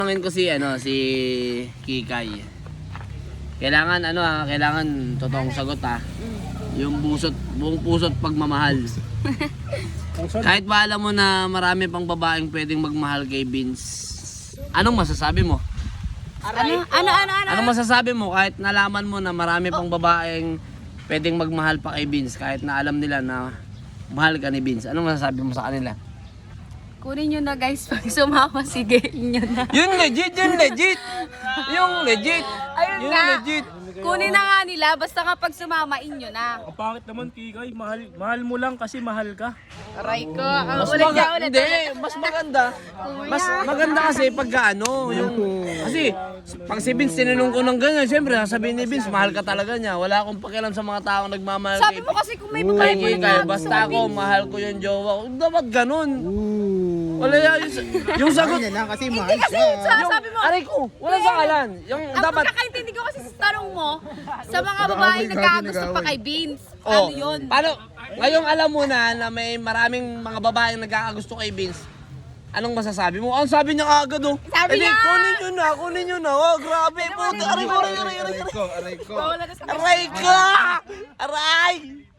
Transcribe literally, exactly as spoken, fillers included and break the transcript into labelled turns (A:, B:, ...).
A: Tanungin ko si ano si Kikay. Kailangan ano ah, kailangan totoong sagot ah. Yung busot, buong puso't pagmamahal. Kahit ba alam mo na marami pang babaeng pwedeng magmahal kay Vince. Anong masasabi mo?
B: Ano? Ano? Ano? Ano?
A: Anong masasabi mo kahit nalaman mo na marami pang babaeng pwedeng magmahal pa kay Vince kahit na alam nila na mahal ka ni Vince? Anong masasabi mo sa kanila?
B: Kunin nyo na guys, pag sumama, sige nyo na.
A: Yun legit, yun legit. Yung legit.
B: Ayun
A: Yun
B: nga.
A: legit.
B: Kunin na nga nila, basta kapag sumama, inyo na.
C: Ang pangit naman, Kikay. Mahal, mahal mo lang kasi mahal ka.
B: Aray ko. Ang
A: Mas
B: ulit
A: maga-
B: niya ulit.
A: hindi, mas maganda. Mas maganda kasi pagka ano, yung kasi pag si Vince tinanong ko ng ganyan, syempre sasabihin ni Vince, mahal ka talaga niya. Wala akong pakialam sa mga taong nagmamahal
B: Sabi
A: kay
B: mo kasi kung may
A: kay
B: babae mo
A: Kikay.
B: na
A: Basta ako, mahal ko yung jowa ko. Dapat ganun. Wala yan, yung, yung sagot.
D: Kanya lang kasi mahal
B: Hindi kasi,
D: siya.
B: sa,
A: Yung,
B: sabi mo,
A: aray ko, wala sa kalan. Yung
B: ang
A: dapat,
B: pagkakaintindi ko kasi sa tanong mo, sa mga babae nagkakagusto pa kay Vince. Ano
A: oh,
B: yun?
A: paano, ngayong alam mo na na may maraming mga babaeng nagkakagusto kay Vince, anong masasabi mo? Ang sabi niya agad oh.
B: Sabi
A: "Eh, di,
B: niya!
A: kunin nyo na, kunin nyo na. Oh, grabe po. Aray ko, aray, aray, aray, aray.
D: Aray ko, aray ko.
B: Wala na sa
A: Aray ka! Aray!